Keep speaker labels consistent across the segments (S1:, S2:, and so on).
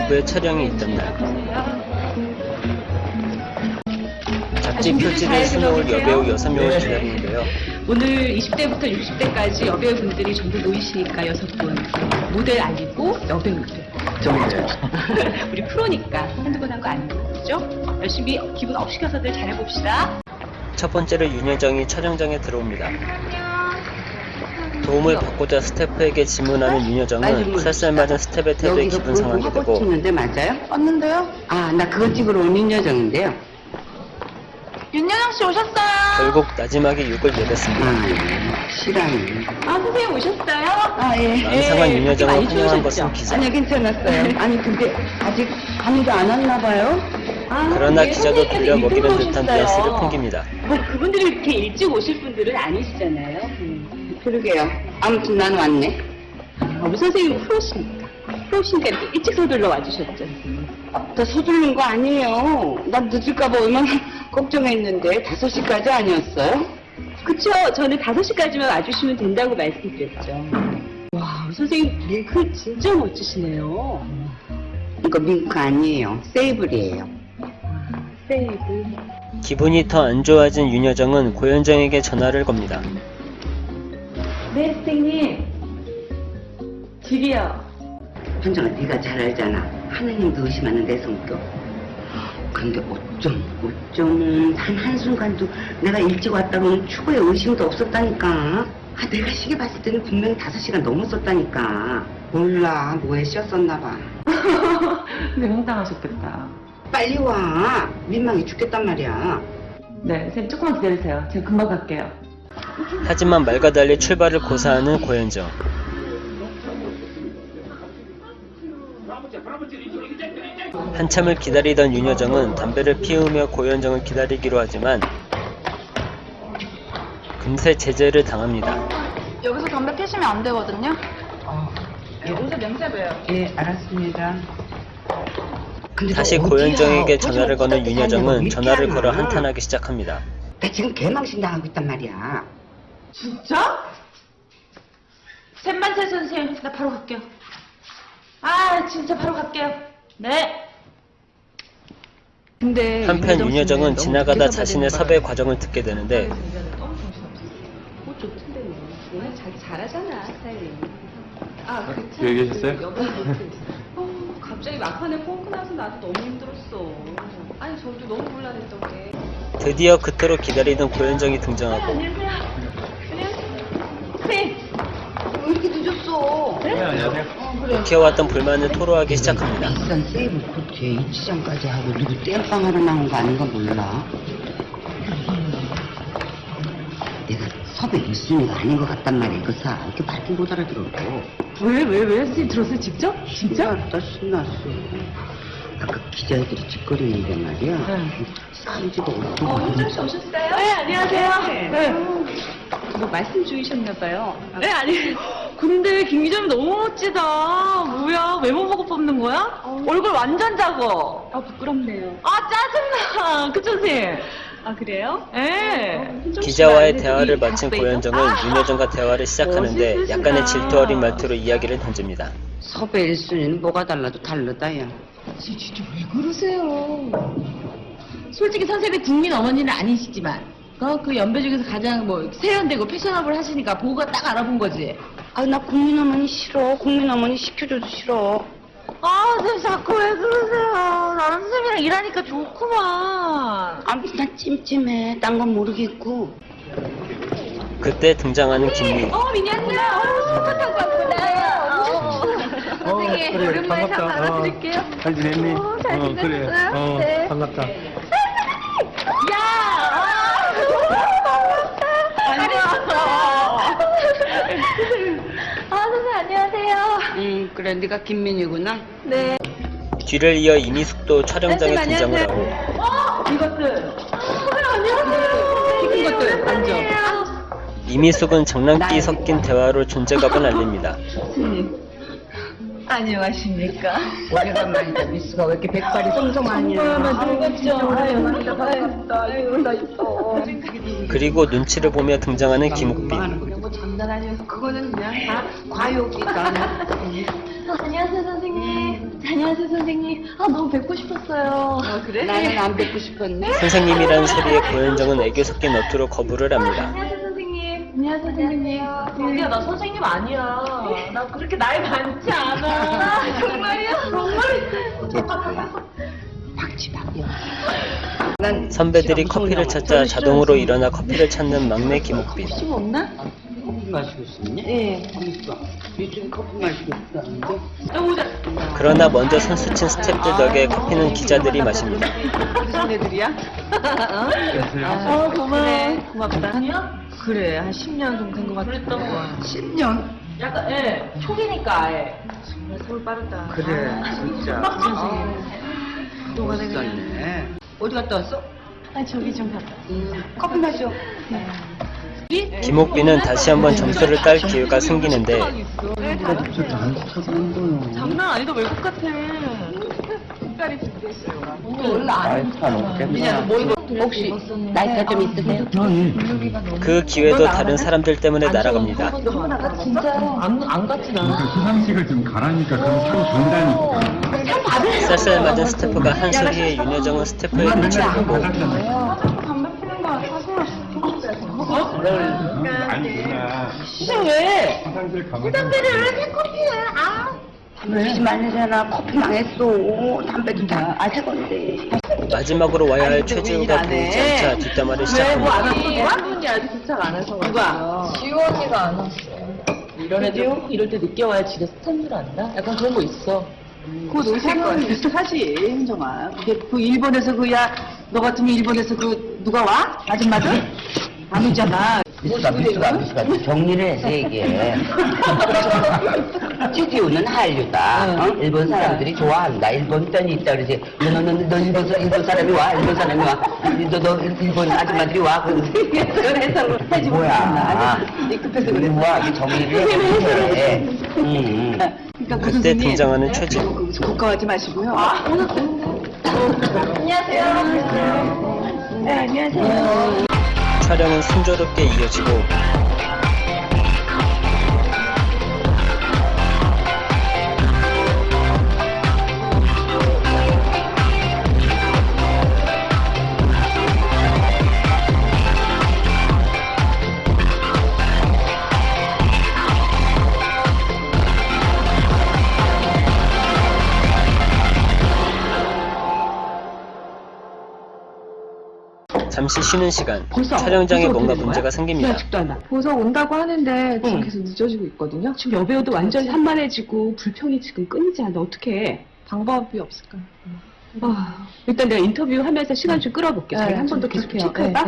S1: 부부의 촬영이 있던 날, 잡지 표지를 수놓을 여배우 6명을 기다리는데요.
S2: 오늘 20대부터 60대까지 여배우분들이 전부 모이시니까 6분. 모델 아니고 여배우들.
S3: 정말.
S2: 우리 프로니까 한두 번 한 거 아니고, 그죠? 열심히 기분 업 시켜서들 잘해봅시다.
S1: 첫 번째로 윤여정이 촬영장에 들어옵니다. 도움을 받고자 스태프에게 질문하는 윤여정은 쌀쌀맞은 스태프의 태도에 기분 상하게 되고,
S3: 찍는데 맞아요?
S4: 왔는데요?
S3: 아, 나 그거 찍으러 온 윤여정인데요.
S4: 윤여정 씨 오셨어요?
S1: 결국 나지막에 욕을 내뱉습니다.
S3: 실화네.
S2: 아, 선생님 오셨어요?
S3: 아, 예.
S1: 망상한 윤여정을
S2: 많이
S1: 환영한 것은
S2: 추우셨죠?
S1: 기자.
S3: 아니요, 괜찮았어요. 아니, 근데 아직 밤이도 안 왔나 봐요?
S2: 아,
S1: 그러나
S2: 예,
S1: 기자도
S2: 선생님께서
S1: 돌려 먹이는
S2: 일찍
S1: 듯한
S2: 오셨어요.
S1: 뉘앙스를 풍깁니다.
S2: 뭐 그분들이 이렇게 일찍 오실 분들은 아니시잖아요.
S3: 그러게요. 아무튼 난 왔네.
S2: 우리 선생님 프로시니까. 프로시니까 이렇게 일찍 서둘러 와주셨죠.
S3: 나 서두르는 거 아니에요. 난 늦을까봐 얼마나 걱정했는데 5시까지 아니었어요?
S2: 그쵸? 저는 5시까지만 와주시면 된다고 말씀드렸죠. 와, 우리 선생님 링크 진짜 멋지시네요.
S3: 이거 밍크 아니에요. 세이블이에요.
S2: 세이브.
S1: 기분이 더 안 좋아진 윤여정은 고현정에게 전화를 겁니다.
S2: 네, 선생님. 저기요.
S3: 현정아, 네가 잘 알잖아. 하느님도 의심하는 내 성격. 근데 어쩜 단 한순간도 내가 일찍 왔다고는 추구에 의심도 없었다니까. 아, 내가 시계 봤을 때는 분명히 5시간 넘었었다니까. 몰라, 뭐에 씌었었나 봐.
S4: 근데 황당하셨겠다.
S3: 빨리 와. 민망해 죽겠단 말이야.
S4: 네, 선생님 조금만 기다리세요. 제가 금방 갈게요.
S1: 하지만 말과 달리 출발을 고사하는 고현정. 한참을 기다리던 윤여정은 담배를 피우며 고현정을 기다리기로 하지만 금세 제재를 당합니다.
S4: 여기서 담배 피시면 안 되거든요? 여기서 냄새 배요.
S3: 예, 알았습니다. 근데
S1: 다시
S3: 너 어디야?
S1: 고현정에게 전화를 거는
S3: 어제
S1: 윤여정은
S3: 왜
S1: 전화를
S3: 이렇게
S1: 걸어
S3: 하나?
S1: 한탄하기 시작합니다.
S3: 나 지금 개망신 당하고 있단 말이야.
S4: 진짜? 셋만 세 선생님, 나 바로 갈게요. 아, 진짜 바로 갈게요. 네. 근데
S1: 한편 윤여정은 지나가다 자신의 섭외 과정을 듣게 되는데
S2: 옷 좋던데 뭐. 자기 잘하잖아, 스타일이. 아,
S5: 여기 계셨어요?
S2: 갑자기 막판에 펑크 나서 나도 너무 힘들었어. 아니, 저도 너무 곤란했던 게.
S1: 드디어 그토록 기다리던 고현정이 등장하고
S2: 안녕하세요. 네.
S3: 왜 이렇게 늦었어?
S5: 네, 안녕하세요.
S1: 묵혀왔던 불만을 토로하기 시작합니다.
S3: 비싼 세이브 코트에 입시장까지 하고 누구 땜빵하러 나온 거 아닌가 몰라. 내가 섭외 1순위가 아닌 것 같단 말이야. 이거 사. 이렇게 말도 못 알아들어.
S4: 왜 선생님 들었어요? 직접? 진짜?
S3: 신났어. 아까 기자애들이 짓거리는데 말이야. 사이즈가 어떤 거
S2: 윤정 씨 오셨어요?
S4: 네, 안녕하세요. 네.
S2: 뭐 말씀 중이셨나봐요.
S4: 네, 아니. 근데 김 기자님 너무 멋지다. 뭐야, 외모 보고 뽑는 거야? 얼굴 완전 작어.
S2: 아, 부끄럽네요.
S4: 아, 짜증나. 그쵸, 선생님?
S2: 아, 그래요?
S4: 예.
S1: 기자와의 대화를 마친 고현정은 윤여정과 대화를 시작하는데 약간의 질투 어린 말투로 이야기를 던집니다.
S3: 섭외 1순위는 뭐가 달라도 다르다, 야.
S4: 진짜 왜 그러세요? 솔직히 선생님이 국민 어머니는 아니시지만 그 연배 중에서 가장 뭐 세련되고 패셔너블 하시니까 보고가 딱 알아본 거지.
S3: 아, 나 국민 어머니 싫어. 국민 어머니 시켜줘도 싫어.
S4: 아, 선생님 자꾸 왜 그러세요? 나는 선생님이랑 일하니까 좋구만.
S3: 아무튼 나 찜찜해. 딴 건 모르겠고.
S1: 그때 등장하는 김미.
S4: 미니 안녕. 스쿠터 타고 왔구나. 선생님,
S5: 그래,
S4: 오랜만에 상
S5: 반갑다.
S4: 받아드릴게요.
S5: 잘 지냈니?
S4: 잘 지냈어요?
S5: 그래.
S4: 네.
S5: 반갑다.
S4: 야! 반갑다. 선생님 안녕하세요.
S3: 그래. 네가 김민이구나.
S4: 네.
S1: 뒤를 이어 이미숙도 촬영장에
S4: 선생님,
S1: 등장을
S4: 안녕하세요.
S1: 하고
S4: 이것들. 안녕하세요.
S2: 시킨 것들 앉아.
S1: 이미숙은 장난기 섞인 대화로 존재감을 알립니다.
S4: 안녕하십니까.
S3: 오래간만이다. 미스가 왜 이렇게 백발이 송송하냐.
S4: 반갑죠. 아유, 나 있어.
S1: 그리고 눈치를 보며 등장하는 김옥빈.
S3: 뭐 장난 아니어서 그거는 그냥 다 과욕이다.
S4: 안녕하세요, 선생님. 잘 안녕하세요, 선생님. 아, 너무 뵙고 싶었어요.
S2: 그래?
S3: 나는 안 뵙고 싶었네.
S1: 선생님이라는 소리에 고현정은 애교 섞인 어투로 거부를 합니다.
S4: 안녕하세요, 선생님. 안녕하세요, 선생님. 언니야, 나 선생님 아니야. 나 그렇게 나이 많지 않아. 정말이야? 정말?
S3: 박지박이야.
S1: 선배들이 커피를 찾자 자동으로 일어나 커피를 찾는 막내 김옥빈.
S3: 심 없나? 커피 마시고 싶냐? 네. 있어. 요즘 커피 마시고 있었는데.
S1: 그러나 먼저 선수 친 스태프들 덕에 커피는 기자들이 마십니다.
S2: 무슨 애들이야?
S4: 고마워.
S2: 고맙다.
S4: 그래, 한 10년 정도 된 것 같아. 그랬던 거야.
S3: 10년?
S4: 약간, 예, 초기니까, 예. 정말 서울 빠르다.
S3: 그래, 진짜.
S4: 동안에
S3: 어디 갔다 왔어?
S4: 아, 저기 좀 갔다.
S3: 커피 마셔.
S1: 김옥빈은 다시 한번 점수를 딸 기회가 생기는데
S4: 장난 아니다, 외국 같아. 색깔이 준비했어요. 언니 원래 안 입잖아. 뭐 입어?
S3: 혹시 나이가 좀 있으세요?
S1: 그 기회도 다른 사람들 때문에 날아갑니다.
S4: 진짜로 안 같진 않아.
S5: 시상식을 좀 가라니까 그럼 상 준다니까.
S1: 쌀쌀 맞은 스태프가 한 소리에 윤여정은 스태프의 눈치를 보고
S5: 아니구나.
S4: 진짜 왜?
S5: 시상식 가면
S3: 담배 말리잖아. 커피 망했어. 담배도 다 새 건데.
S1: 마지막으로 와야 할 최지우가 보이지 않자 뒷담화를 시작합니다.
S4: 한 분이 아직 도착 안 해서. 누가? 지호 언니가 안 왔어. 이런 애들 이럴 때 늦게 와야 집에 스탠줄 안다? 약간 그런 거 있어.
S2: 곧 오실 거야. 사실, 현정아. 그게 그 일본에서 너 같으면 일본에서 누가 와? 아줌마들? 안 오잖아.
S3: 미스가 정리를 해서 얘기해. 최지우는 한류다. 어? 일본 사람들이 좋아한다. 일본 편이 있다 그러지. 너 일본 사람이 와. 일본 사람이 와. 너 일본 아줌마들이 와. 그래서 해주고 뭐야. 급해서 그래. 뭐야. 정리를 해.
S2: 그러니까
S1: 그때 등장하는 최지우.
S2: 고가하지 마시고요.
S4: 오늘 안녕하세요.
S2: 네, 안녕하세요.
S1: 촬영은 순조롭게 이어지고 잠시 쉬는 시간, 촬영장에 뭔가 문제가 생깁니다.
S2: 아직도 안 와.
S6: 보석 온다고 하는데 지금 계속 늦어지고 있거든요.
S2: 지금 여배우도 완전히 산만해지고 불평이 지금 끊이지 않아. 어떻게 해?
S6: 방법이 없을까?
S2: 일단 내가 인터뷰하면서 시간 좀 끌어볼게. 자기 한 번 더 계속 체크해봐.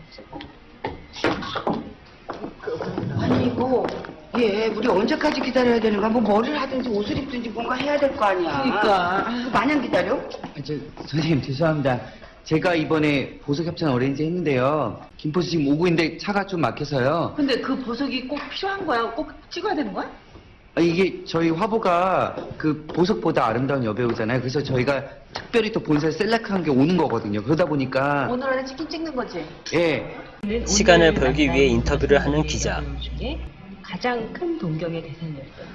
S2: 아니 이거 우리 언제까지 기다려야 되는 거야? 뭐 머리를 하든지 옷을 입든지 뭔가 해야 될 거 아니야.
S3: 그러니까.
S2: 마냥 기다려?
S7: 선생님 죄송합니다. 제가 이번에 보석 협찬 어레인지 했는데요. 김포시 지금 오고 있는데 차가 좀 막혀서요.
S4: 근데 그 보석이 꼭 필요한 거야? 꼭 찍어야 되는 거야?
S7: 이게 저희 화보가 그 보석보다 아름다운 여배우잖아요. 그래서 저희가 특별히 또 본사에 셀렉한 게 오는 거거든요. 그러다 보니까
S4: 오늘 안에 치킨 찍는 거지?
S7: 예.
S1: 시간을 벌기 위해 인터뷰를 하는 기자.
S6: 가장 큰 동경의 대상이었어요.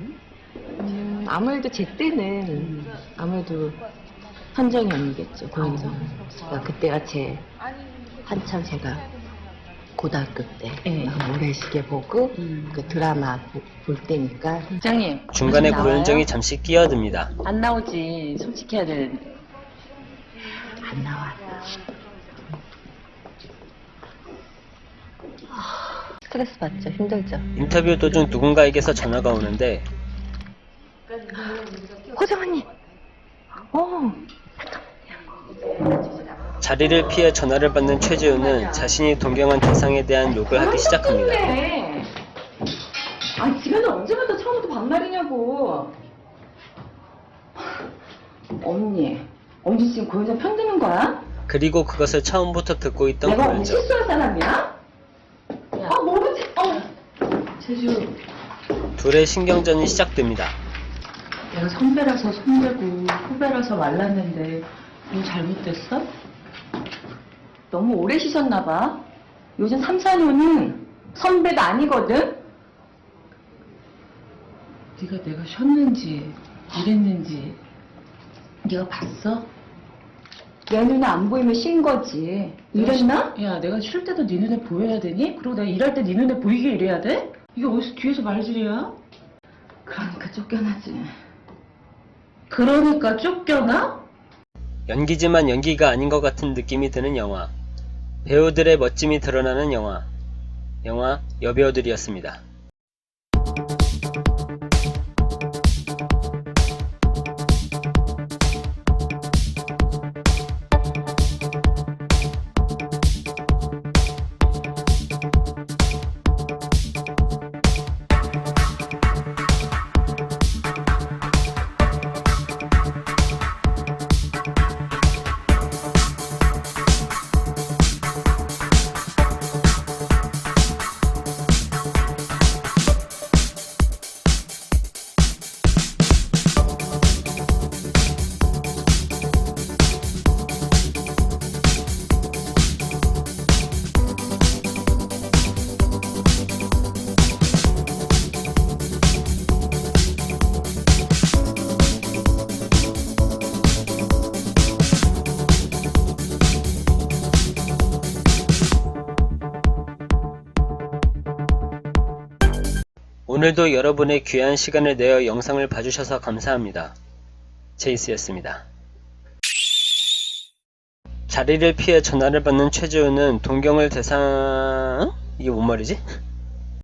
S6: 아무래도 제 때는 아무래도 현정이 언니겠죠. 고현정. 그러니까 그때가 한참 제가 고등학교 때 모래시계 보고 그 드라마 볼 때니까.
S4: 부장님.
S1: 중간에 고현정이 잠시 끼어듭니다.
S4: 안 나오지. 솔직히 해야 되는데.
S6: 안 나와. 스트레스 받죠. 힘들죠.
S1: 인터뷰 도중 누군가에게서 전화가 오는데
S6: 호정 언니.
S1: 자리를 피해 전화를 받는 최지우는 자신이 동경한 대상에 대한 욕을 하기 시작합니다.
S2: 아니 지금은 언제부터 처음부터 반말이냐고. 언니 지금 고현정 편드는 거야?
S1: 그리고 그것을 처음부터 듣고 있던
S2: 내가 언니
S1: 고현정.
S2: 실수할 사람이야? 모르지. 제주.
S1: 둘의 신경전이 시작됩니다.
S4: 내가 선배라서 손대고 후배라서 말랐는데 뭐 잘못됐어? 너무 오래 쉬셨나 봐. 요즘 3, 4년은 선배가 아니거든? 네가 내가 쉬었는지 이랬는지 네가 봤어?
S8: 내 눈에 안 보이면 쉰 거지. 이랬나?
S4: 야, 내가 쉴 때도 네 눈에 보여야 되니? 그리고 내가 일할 때 네 눈에 보이게 일해야 돼? 이게 어디서 뒤에서 말질이야?
S8: 그러니까 쫓겨나지.
S4: 그러니까 쫓겨나?
S1: 연기지만 연기가 아닌 것 같은 느낌이 드는 영화. 배우들의 멋짐이 드러나는 영화 여배우들이었습니다. 오늘도 여러분의 귀한 시간을 내어 영상을 봐주셔서 감사합니다. 제이스였습니다. 자리를 피해 전화를 받는 최지우는 동경을 이게 뭔 말이지?